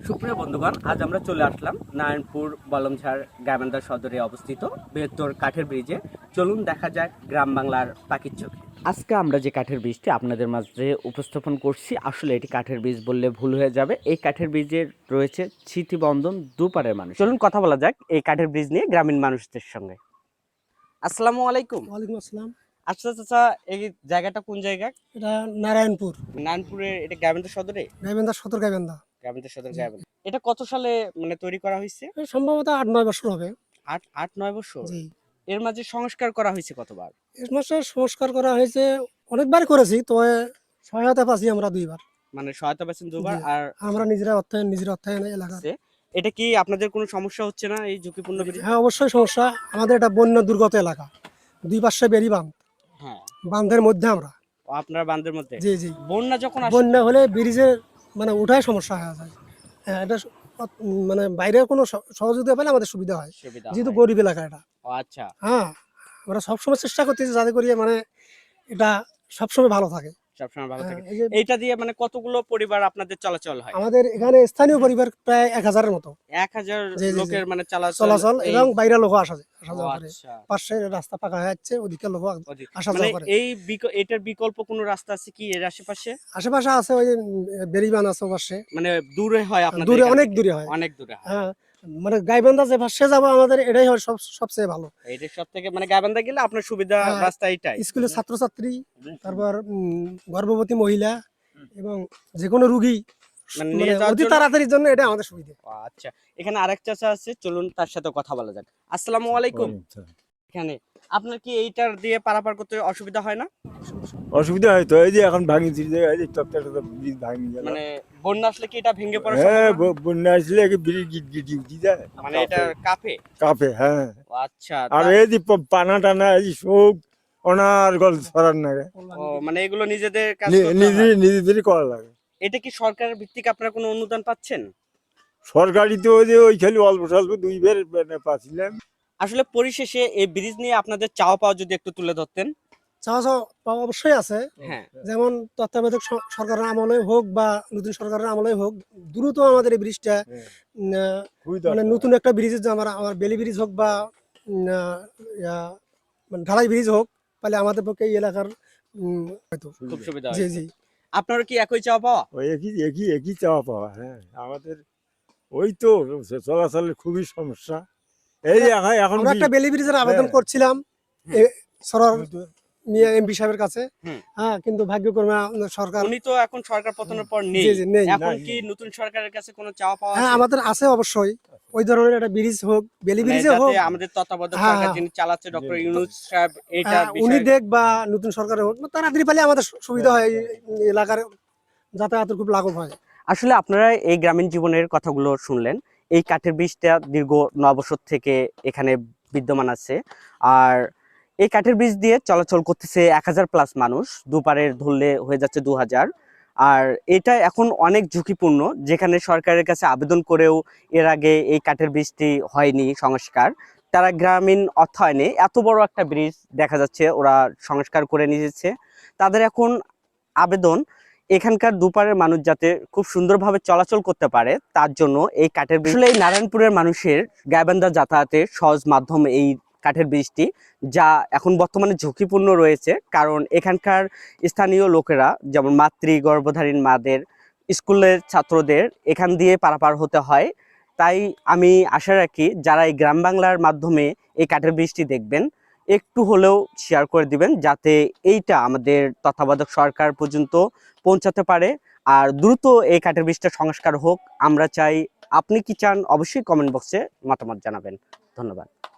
সুপ্রিয় বন্ধুগণ, আজ আমরা চলে আসলাম নারায়ণপুর বলমঝাড় গাইবান্ধা সদরে অবস্থিত বৃহত্তর কাঠের ব্রিজে। চলুন দেখা যাক গ্রাম বাংলার পাখির চোখে। আজকে আমরা যে কাঠের ব্রিজটি আপনাদের মাঝে উপস্থাপন করছি, আসলে এটি কাঠের ব্রিজ বললে ভুল হয়ে যাবে। এই কাঠের ব্রিজের রয়েছে স্মৃতিবন্ধন দুপারের মানুষ। চলুন কথা বলা যাক এই কাঠের ব্রিজ নিয়ে গ্রামীণ মানুষদের সঙ্গে। আসসালামু আলাইকুম। ওয়ালাইকুম আসসালাম। আচ্ছা চাচা, এই জায়গাটা কোন জায়গা? এটা নারায়ণপুর, নারায়ণপুরের, এটা গাইবান্ধা সদরে? গাইবান্ধা সদর গাইবান্ধা। গাইবান্ধা সদর, জি। গাইবান্ধা। এটা কত সালে তৈরি করা হয়েছে? সম্ভবত ৮-৯ বছর হবে। ৮-৯ বছর। জি। এর মাঝে সংস্কার করা হয়েছে কতবার? এর মাসে সংস্কার করা হয়েছে, অনেকবার করেছি, তবে সহায়তা পাচ্ছি আমরা ২ বার। মানে সহায়তা পাচ্ছেন দুবার। জি। আর আমরা নিজেরা অর্থায়ন এলাকার। এটা কি আপনাদের কোনো সমস্যা হচ্ছে না এই ঝুঁকিপূর্ণ ব্রিজ? হ্যাঁ, অবশ্যই সমস্যা। আমাদের এটা বন্যা দুর্গত এলাকা। ২ পাশে বেড়ি বাঁধ। হ্যাঁ। বাঁধের মধ্যে আমরা। ও, আপনার বান্ধের মধ্যে? জি, জি। বন্যা যখন আসে বন্যা হলে ব্রিজের ওঠাই সমস্যা হয়ে যায়। হ্যাঁ, এটা বাইরের কোনো সহযোগিতা পেলে আমাদের সুবিধা হয়। সুবিধা যেহেতু হয়। গরিব এলাকা এটা। ও আচ্ছা। হ্যাঁ, আমরা সবসময় চেষ্টা করতেছি যাতে করিয়ে এটা সবসময় ভালো থাকে। সবসময় ভালো থাকে। এই যে এইটা দিয়ে মানে কতগুলো পরিবার আপনাদের চলাচল হয়? আমাদের এখানে স্থানীয় পরিবার প্রায় ১,০০০-এর মতো ১,০০০ জি, জি, জি। লোকের মানে চলাচল এবং বাইরের লোকও আসা ও যাওয়া করে। আচ্ছা। পাশে রাস্তা পাকা হয়ে যাচ্ছে, ওদিকে লোক আসা মানে যাওয়া করে। এটার বিকল্প কোনো রাস্তা আছে কি এর আশেপাশে? আশেপাশে আছে ওই যে বেড়িবাঁধ আছে ওপাশে। মানে দূরে হয় আপনাদের দূরে, এখান অনেক থেকে? দূরে হয়। অনেক দূরে হয়। হ্যাঁ, গাইবান্ধা যে পাশে যাবো আমাদের এটাই হয় সবচেয়ে ভালো। এটার সবথেকে মানে গাইবান্ধা গেলে আপনার সুবিধা হ্যাঁ, রাস্তা এইটাই। স্কুলের ছাত্রছাত্রী, তারপর গর্ভবতী মহিলা এবং যেকোনো রুগী মানে নিয়ে যাওয়ার অতি জন্য? তাড়াতাড়ির জন্য এটা আমাদের সুবিধা। ও আচ্ছা। এখানে আরেক চাচা আছে, চলুন তার সাথে কথা বলা যাক। আসসালামু আলাইকুম। এখানে আপনার কি এইটার দিয়ে পারাপার করতে অসুবিধা হয় না? অসুবিধা হয় তো, এই যে এখন ভাঙিছি যে এই যে টকটা ব্রিজ ভাঙি গেল। মানে বন্যা আসলে কি এটা ভেঙে পড়ার হ্যাঁ, সম্ভাবনা? বন্যা আসলে কি ব্রিজ গিট গিট উঠি যায় মানে এটা কাঁপে? কাপে। হ্যাঁ, ও আচ্ছা। আর এই যে পানা টানা এই যে শোক অনার্গল ছড়ার নাগে ও মানে এগুলো নিজেদের কাজ করতে হয়। নিজেদেরই করা লাগে। এটা কি সরকারের ভিত্তিক আপনারা কোনো অনুদান পাচ্ছেন? সরকারি তো ওই যে ওই খালি অল্প স্বল্প ২ বের পাচ্ছিলাম। আসলে পরিশেষে এই ব্রিজ নিয়ে আপনাদের চাওয়া পাওয়া যদি একটু তুলে ধরতেন। চাওয়া পাওয়া অবশ্যই আছে। হ্যাঁ। যেমন তত্ত্বাবধায়ক সরকারের আমলে হোক বা নতুন সরকারের আমলে হোক, দ্রুত আমাদের এই ব্রিজটা খুবই দরকার। নতুন একটা ব্রিজের যে আমার বেলি ব্রিজ হোক বা উম, আহ, ইয়া, ঢালাই ব্রিজ হোক, তাহলে আমাদের পক্ষে এই এলাকার হয়তো। খুব সুবিধা জি, হয়েছে। জি। আপনারও কি একই চাওয়া পাওয়া? ওই একই চাওয়া পাওয়া। হ্যাঁ, আমাদের ওই তো চলাচলের খুবই সমস্যা। এই যে এখন আমরা একটা বেলি ব্রিজের আবেদন হ্যাঁ। করছিলাম সরার মিয়া এমপি সাহেবের কাছে। হুম। হ্যাঁ, কিন্তু ভাগ্যক্রমে সরকার উনি তো এখন সরকার পতনের পর নেই। জি, জি, নেই। এখন নাই, কি নেই। নতুন সরকারের কাছে কোনো চাওয়া পাওয়া হ্যাঁ, আছে? আমাদের আছে অবশ্যই। ওই ধরনের একটা ব্রিজ হোক, বেলি মানে ব্রিজে যাতে হোক। আমাদের তত্ত্বাবধায়ক হ্যাঁ, সরকার হ্যাঁ। যিনি চালাচ্ছে ডক্টর জি। ইউনূস সাহেব এইটা উনি বিষয়ে দেখ বা নতুন সরকারে হোক, তাড়াতাড়ি পেলে আমাদের সুবিধা হয়, এই এলাকার যাতায়াতের খুব লাঘব হয়। আসলে আপনারা এই গ্রামীণ জীবনের কথাগুলো শুনলেন। এই কাঠের ব্রিজটা দীর্ঘ ৯ বছর থেকে এখানে বিদ্যমান আছে। আর এই কাঠের ব্রিজ দিয়ে চলাচল করতেছে ১,০০০+ মানুষ, দুপারের ধরলে হয়ে যাচ্ছে ২,০০০। আর এটা এখন অনেক ঝুঁকিপূর্ণ, যেখানে সরকারের কাছে আবেদন করেও এর আগে এই কাঠের ব্রিজটি হয়নি সংস্কার। তারা গ্রামীণ অর্থায়নে এত বড় একটা ব্রিজ দেখা যাচ্ছে ওরা সংস্কার করে নিয়েছে। তাদের এখন আবেদন এখানকার দুপারের মানুষ যাতে খুব সুন্দরভাবে চলাচল করতে পারে, তার জন্য এই কাঠের ব্রিজ। আসলে এই নারায়ণপুরের মানুষের গাইবান্ধা যাতায়াতের সহজ মাধ্যম এই কাঠের ব্রিজটি, যা এখন বর্তমানে ঝুঁকিপূর্ণ রয়েছে। কারণ এখানকার স্থানীয় লোকেরা, যেমন গর্ভধারী মাদের, স্কুলের ছাত্রদের এখান দিয়ে পারাপার হতে হয়। তাই আমি আশা রাখি যারা এই গ্রাম বাংলার মাধ্যমে এই কাঠের ব্রিজটি দেখবেন, একটু হলেও শেয়ার করে দিবেন, যাতে এইটা আমাদের তত্ত্বাবধায়ক সরকার পর্যন্ত পৌঁছাতে পারে। আর দ্রুত এই কাঠের ব্রিজটা সংস্কার হোক আমরা চাই। আপনি কি চান অবশ্যই কমেন্ট বক্সে মতামত জানাবেন। ধন্যবাদ।